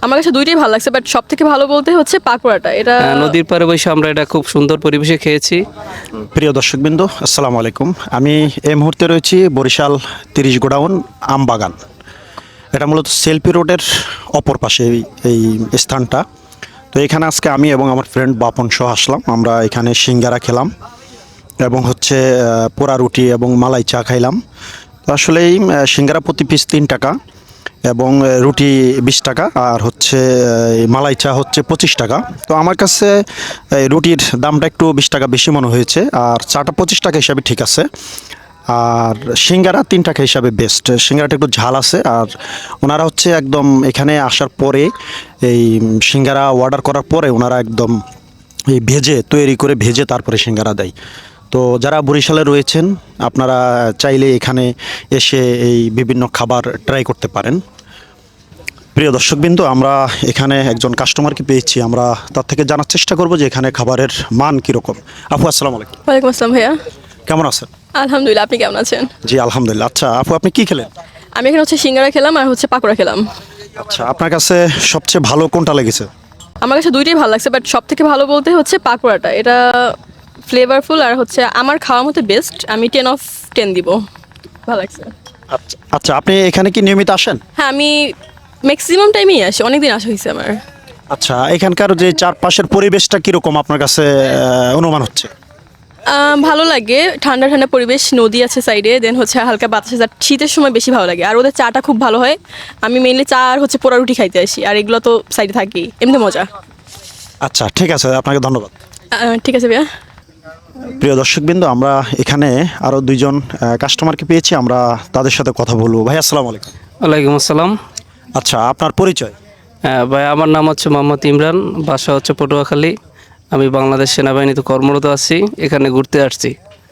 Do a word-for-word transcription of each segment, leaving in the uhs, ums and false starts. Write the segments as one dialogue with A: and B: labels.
A: আমার কাছে দুইটাই ভালো লাগছে, বাট সব থেকে ভালো বলতে হচ্ছে পাকোড়াটা। এটা
B: আহ, নদীর পাড়ে বসে আমরা এটা খুব সুন্দর পরিবেশে খেয়েছি।
C: প্রিয় দর্শকবৃন্দ, আসসালামু আলাইকুম। আমি এই মুহূর্তে রয়েছি বরিশাল তিরিশ গোডাউন আমবাগান। এটা মূলত সেলফি রোডের অপর পাশে এই- এই স্থানটা। তো এখানে আজকে আমি এবং আমার ফ্রেন্ড বাপন সহ আসলাম। আমরা এখানে সিঙ্গারা খেলাম এবং হচ্ছে আহ, পোড়া রুটি এবং মালাই চা খাইলাম। তো আসলে এই আহ, সিঙ্গারা প্রতি পিস তিন টাকা এবং আহ, রুটি বিশ টাকা আর হচ্ছে আহ, এই মালাই চা হচ্ছে পঁচিশ টাকা। তো আমার কাছে এই রুটির দামটা একটু বিশ টাকা বেশি মনে হয়েছে, আর চাটা পঁচিশ টাকা হিসাবে ঠিক আছে। আর সিঙ্গারা তিন টাকা হিসাবে বেস্ট। সিঙ্গারাটা একটু ঝাল আছে, আর ওনারা হচ্ছে একদম এখানে আসার পরে এই সিঙ্গারা অর্ডার করার পরে ওনারা একদম এই ভেজে তৈরি করে ভেজে তারপরে সিঙ্গারা দেয়। তো যারা বরিশালে রয়েছেন আপনারা চাইলে এখানে এসে এই বিভিন্ন খাবার ট্রাই করতে পারেন। প্রিয় দর্শকবৃন্দ, আমরা এখানে একজন কাস্টমারকে পেয়েছি, আমরা তার থেকে জানার চেষ্টা করব যে এখানে খাবারের মান কীরকম। আপু আসসালামু আলাইকুম,
A: ওয়ালাইকুম আসসালাম ভাইয়া।
C: কেমন আছেন?
A: আলহামদুলিল্লাহ, আপনি কেমন আছেন?
C: জি আলহামদুলিল্লাহ। আচ্ছা আপু, আপনি কি খেলেন?
A: আমি এখানে হচ্ছে সিঙ্গারা খেলাম আর হচ্ছে পাকোড়া খেলাম।
C: আচ্ছা, আপনার কাছে সবচেয়ে ভালো কোনটা লেগেছে?
A: আমার কাছে দুইটাই ভালো লাগছে, বাট সব থেকে ভালো বলতে হচ্ছে পাকোড়াটা। এটা ফ্লেভারফুল আর হচ্ছে আমার খাওয়ার মতো বেস্ট। আমি টেন অফ টেন দিব, ভালো লাগছে।
C: আচ্ছা আচ্ছা, আপনি এখানে কি নিয়মিত আসেন?
A: হ্যাঁ, আমি ম্যাক্সিমাম টাইমেই আসি, অনেকদিন আসা হয়েছে আমার।
C: আচ্ছা, এখানকার যে চারপাশের পরিবেশটা কীরকম আপনার কাছে আহ, অনুমান হচ্ছে?
A: আহ, ভালো লাগে, ঠান্ডা ঠান্ডা পরিবেশ, নদী আছে সাইডে, দেন হচ্ছে হালকা বাতাস আছে। আর শীতের সময় বেশি ভালো লাগে, আর ওদের চাটা খুব ভালো হয়। আমি মেইনলি চা আর হচ্ছে পোড়া রুটি খাইতে আসি, আর এগুলো তো সাইডে থাকি, এমনি মজা।
C: আচ্ছা ঠিক আছে, আপনাকে ধন্যবাদ।
A: আহ, ঠিক আছে ভাইয়া।
C: প্রিয় দর্শকবৃন্দ, আমরা এখানে আরও দুইজন কাস্টমারকে পেয়েছি, আমরা তাদের সাথে কথা বলবো। ভাই আসসালামু আলাইকুম।
B: ওয়ালাইকুম আসসালাম।
C: আচ্ছা, আপনার পরিচয়?
B: হ্যাঁ ভাই, আমার নাম হচ্ছে মোহাম্মদ ইমরান, বাসা হচ্ছে পটুয়াখালী। আমি বাংলাদেশ সেনাবাহিনীতে কর্মরত আছি, এখানে ঘুরতে আসছি।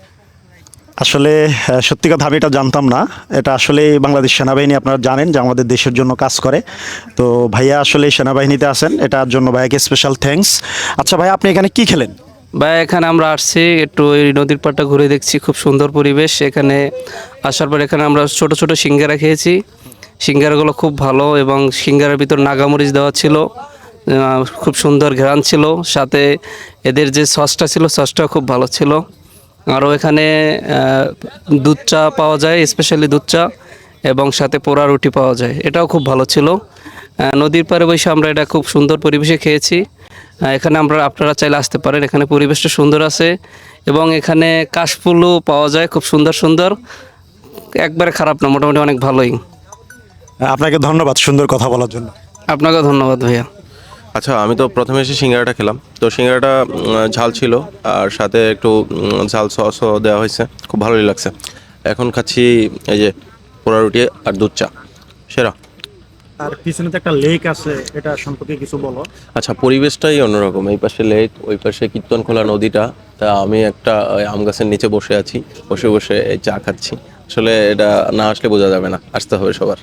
C: আসলে আহ, সত্যি কথা আমি এটা জানতাম না। এটা আসলে বাংলাদেশ সেনাবাহিনী, আপনারা জানেন যে আমাদের দেশের জন্য কাজ করে। তো ভাইয়া আসলে সেনাবাহিনীতে আছেন, এটার জন্য ভাইয়াকে স্পেশাল থ্যাঙ্কস। আচ্ছা ভাই, আপনি এখানে কি খেলেন?
B: ভাই এখানে আমরা আসছি একটু এই নদীর পাড়টা ঘুরে দেখছি, খুব সুন্দর পরিবেশ। এখানে আসার পর এখানে আমরা ছোট ছোট সিঙ্গারা খেয়েছি। সিঙ্গারাগুলো খুব ভালো এবং সিঙ্গারার ভিতর নাগামরিচ দেওয়া ছিল, আহ, খুব সুন্দর ঘ্রাণ ছিল। সাথে এদের যে সসটা ছিল, সসটাও খুব ভালো ছিল। আরও এখানে আহ, দুধ চা পাওয়া যায়, স্পেশালি দুধ চা, এবং সাথে পোড়া রুটি পাওয়া যায়, এটাও খুব ভালো ছিল। আহ, নদীর পাড়ে বসে আমরা এটা খুব সুন্দর পরিবেশে খেয়েছি। আহ, এখানে আমরা আপনারা চাইলে আসতে পারেন, এখানে পরিবেশটা সুন্দর আছে এবং এখানে কাশফুলও পাওয়া যায় খুব সুন্দর সুন্দর। একবারে খারাপ না, মোটামুটি অনেক ভালোই।
C: আপনাকে ধন্যবাদ সুন্দর কথা বলার জন্য।
B: আপনাকেও ধন্যবাদ ভাইয়া।
D: আচ্ছা, আমি তো প্রথমে এসে সিঙ্গারাটা খেলাম। তো সিঙ্গারাটা উম, ঝাল ছিল আর সাথে একটু উম, ঝাল সসও দেওয়া হয়েছে, খুব ভালোই লাগছে। এখন খাচ্ছি এই যে পোড়া রুটি আর দুধ চা, সেরা।
C: আর পিছনে তো একটা লেক আছে, এটা সম্পর্কে কিছু বলো।
D: আচ্ছা, পরিবেশটাই অন্যরকম। এই পাশে লেক, ওই পাশে কীর্তনখোলা নদীটা। তা আমি একটা ওই আম গাছের নিচে বসে আছি, বসে বসে এই চা খাচ্ছি। আসলে এটা না আসলে বোঝা যাবে না, আসতে হবে সবার।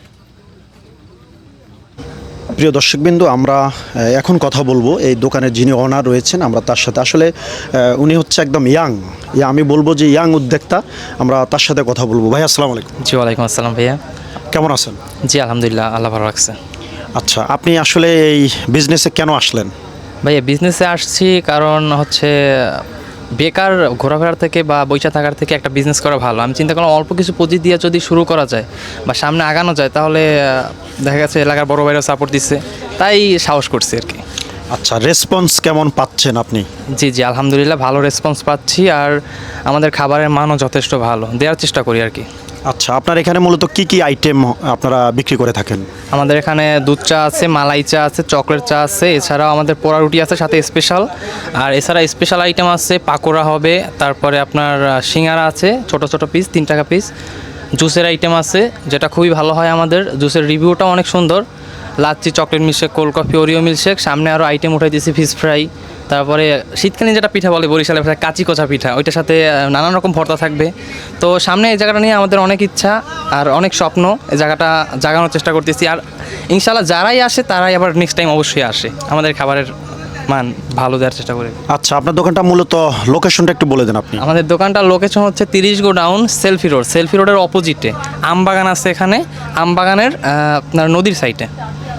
C: প্রিয় দর্শকবৃন্দ, আমরা আহ, এখন কথা বলবো এই দোকানের যিনি ওনার রয়েছেন, আমরা তার সাথে। আসলে আহ, উনি হচ্ছে একদম ইয়াং, ইয়া আমি বলবো যে ইয়াং উদ্যোক্তা। আমরা তার সাথে কথা বলবো। ভাই আসসালামু আলাইকুম,
E: জি ওয়ালাইকুম আসসালাম ভাইয়া।
C: কেমন আছেন?
E: জি আলহামদুলিল্লাহ, আল্লাহ ভালো রাখছে।
C: আচ্ছা, আপনি আসলে এই বিজনেসে কেন আসলেন?
E: ভাইয়া বিজনেসে আসছি কারণ হচ্ছে বেকার ঘোরাফেরার থেকে বা বইসা থাকার থেকে একটা বিজনেস করা ভালো। আমি চিন্তা করলাম অল্প কিছু পুঁজি দিয়ে যদি শুরু করা যায় বা সামনে আগানো যায়, তাহলে আহ, দেখা গেছে এলাকার বড় ভাইরা সাপোর্ট দিচ্ছে, তাই সাহস করছি আর কি।
C: আচ্ছা, রেসপন্স কেমন পাচ্ছেন আপনি?
E: জি জি আলহামদুলিল্লাহ, ভালো রেসপন্স পাচ্ছি আর আমাদের খাবারের মানও যথেষ্ট ভালো, দেওয়ার চেষ্টা করি আর কি।
C: আচ্ছা, আপনার এখানে মূলত কি কি আইটেম আপনারা বিক্রি করে থাকেন?
E: আমাদের এখানে দুধ চা আছে, মালাই চা আছে, চকলেট চা আছে, এছাড়াও আমাদের পোড়া রুটি আছে সাথে স্পেশাল। আর এছাড়া স্পেশাল আইটেম আছে, পাকোড়া হবে, তারপরে আপনার আহ, সিঙ্গারা আছে ছোট ছোট পিস, তিন টাকা পিস। জুসের আইটেম আছে যেটা খুবই ভালো হয় আমাদের, জুসের রিভিউটাও অনেক সুন্দর। Lassi, chocolate milkshake, cold coffee, Oreo milkshake. সামনে আরও আইটেম উঠাই দিয়েছি, ফিশ ফ্রাই। তারপরে শীতকালীন যেটা পিঠা বলে বরিশালে ভাষায় কাঁচি কোচা পিঠা, ওইটার সাথে আহ, নানান রকম ভর্তা থাকবে। তো সামনে এই জায়গাটা নিয়ে আমাদের অনেক ইচ্ছা আর অনেক স্বপ্ন, এই জায়গাটা জাগানোর চেষ্টা করতেছি। আর ইনশাল্লাহ যারাই আসে তারাই আবার নেক্সট টাইম অবশ্যই আসে, আমাদের খাবারের মান ভালো দেওয়ার চেষ্টা করি।
C: আচ্ছা, আপনার দোকানটা মূলত লোকেশনটা একটু বলে দেন আপনি।
E: আমাদের দোকানটার লোকেশন হচ্ছে তিরিশ গোডাউন সেলফি রোড, সেলফি রোডের অপোজিটে আমবাগান আছে, এখানে আমবাগানের আহ, আপনার নদীর সাইডে।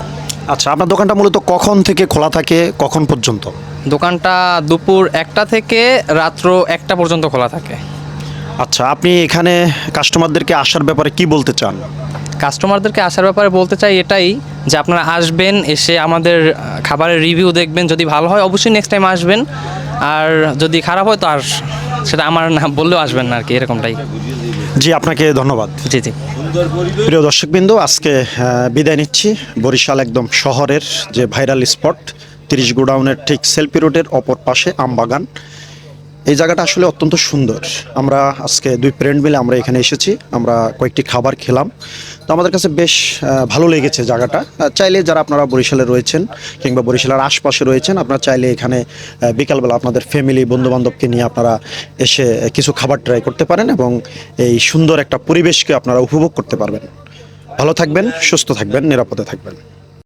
C: আচ্ছা, আপনার দোকানটা মূলত কখন থেকে খোলা থাকে, কখন পর্যন্ত?
E: দোকানটা দুপুর একটা থেকে রাত্র একটা পর্যন্ত খোলা থাকে।
C: আচ্ছা, আপনি এখানে কাস্টমারদেরকে আসার ব্যাপারে কি বলতে চান?
E: কাস্টমারদেরকে আসার ব্যাপারে বলতে চাই এটাই যে আপনারা আসবেন, এসে আমাদের আহ, খাবারের রিভিউ দেখবেন, যদি ভালো হয় অবশ্যই নেক্সট টাইম আসবেন, আর যদি খারাপ হয় তো আর সেটা আমার না বললেও আসবেন না আর কি, এরকমটাই।
C: জি, আপনাকে ধন্যবাদ।
E: জি জি।
C: প্রিয় দর্শকবৃন্দু, আজকে আহ, বিদায় নিচ্ছি। বরিশাল একদম শহরের যে ভাইরাল স্পট তিরিশ গোডাউনের ঠিক সেলফি রোডের অপর পাশে আমবাগান। এই জায়গাটা আসলে অত্যন্ত সুন্দর। আমরা আজকে দুই ফ্রেন্ড মিলে আমরা এখানে এসেছি, আমরা কয়েকটি খাবার খেলাম, তো আমাদের কাছে বেশ আহ, ভালো লেগেছে জায়গাটা। আহ, চাইলে যারা আপনারা বরিশালে রয়েছেন কিংবা বরিশালের আশপাশে রয়েছেন, আপনারা চাইলে এখানে আহ, বিকালবেলা আপনাদের ফ্যামিলি বন্ধুবান্ধবকে নিয়ে আপনারা এসে আহ, কিছু খাবার ট্রাই করতে পারেন এবং এই সুন্দর একটা পরিবেশকে আপনারা উপভোগ করতে পারবেন। ভালো থাকবেন, সুস্থ থাকবেন, নিরাপদে থাকবেন।